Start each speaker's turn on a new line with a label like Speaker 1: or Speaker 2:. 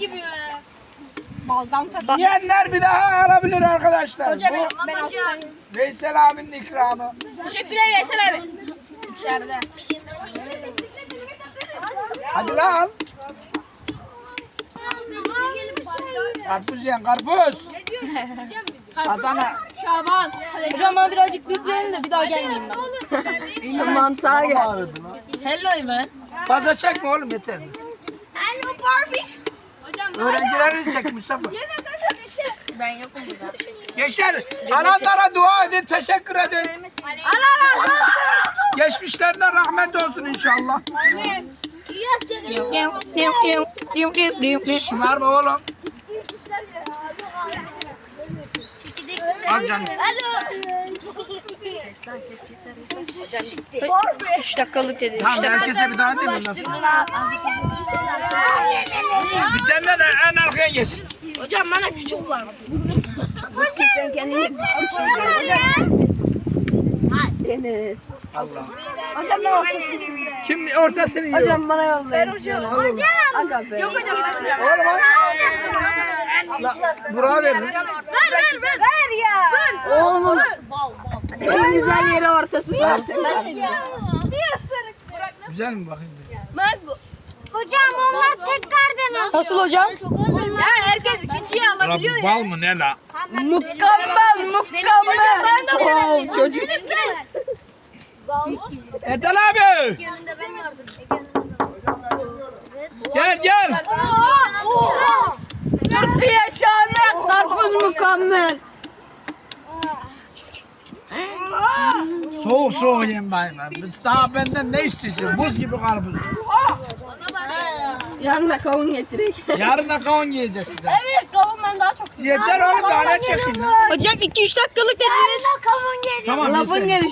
Speaker 1: gibi. Baldan tadı.
Speaker 2: Yiyenler bir daha alabilir arkadaşlar.
Speaker 1: Hoca
Speaker 2: Bu
Speaker 1: ben alsayım.
Speaker 2: Veysel abinin ikramı.
Speaker 1: Teşekkürler Veysel abi. İçeride.
Speaker 2: Hadi lan al. Karpuz yiyen karpuz. Adana.
Speaker 1: Şaban. Hocam bana birazcık büyüklerin de bir daha gelmeyeyim ben.
Speaker 3: Mantığa gel.
Speaker 2: Ağrıdı lan.
Speaker 3: Hello man.
Speaker 2: Fazla çekme oğlum yeter.
Speaker 1: Hello Barbie. Hocam
Speaker 2: Öğrencileri de çek Mustafa.
Speaker 3: Ben yokum burada.
Speaker 2: Yaşar, ananlara dua edin, teşekkür edin. Geçmişlerine rahmet olsun inşallah. Şımarma oğlum. Al canım.
Speaker 1: 3 dakikalık dedi.
Speaker 2: Tamam herkese bir daha değil mi? Nasıl? Bitenler de en arkaya geçsin.
Speaker 1: Hocam bana küçük var.
Speaker 3: Sen kendini Deniz.
Speaker 2: Allah.
Speaker 1: Hocam ben ortasını
Speaker 2: Kim ortasını yiyor?
Speaker 3: Hocam bana yollayın. Hocam. Aga be.
Speaker 1: Yok hocam.
Speaker 2: Oğlum al. Burak'a verin.
Speaker 1: Ver ya.
Speaker 3: Oğlum. En güzel yeri ortası zaten.
Speaker 2: Güzel mi bakayım?
Speaker 1: Hocam onlar tekrardan alsın.
Speaker 3: Nasıl hocam?
Speaker 1: Ya herkes ikinciyi alabiliyor ya.
Speaker 2: Bal mı ne la?
Speaker 3: Mükemmel, mükemmel. Oh, çocuk.
Speaker 2: Erdal abi. Gel gel.
Speaker 3: Türkiye şahane, karpuz mükemmel.
Speaker 2: Soğuk soğuk yiyin bayım. Daha benden ne istiyorsun? Buz gibi karpuz.
Speaker 3: Yarın da kavun getirek.
Speaker 2: Yarın da kavun yiyeceğiz size.
Speaker 1: Evet kavundan daha çok.
Speaker 2: Yeter oğlum daha ne çekin lan?
Speaker 3: Hocam 2-3 dakikalık dediniz.
Speaker 1: Kavun geliyor.
Speaker 2: Tamam
Speaker 3: Lafın
Speaker 2: yeter.
Speaker 3: gelişi.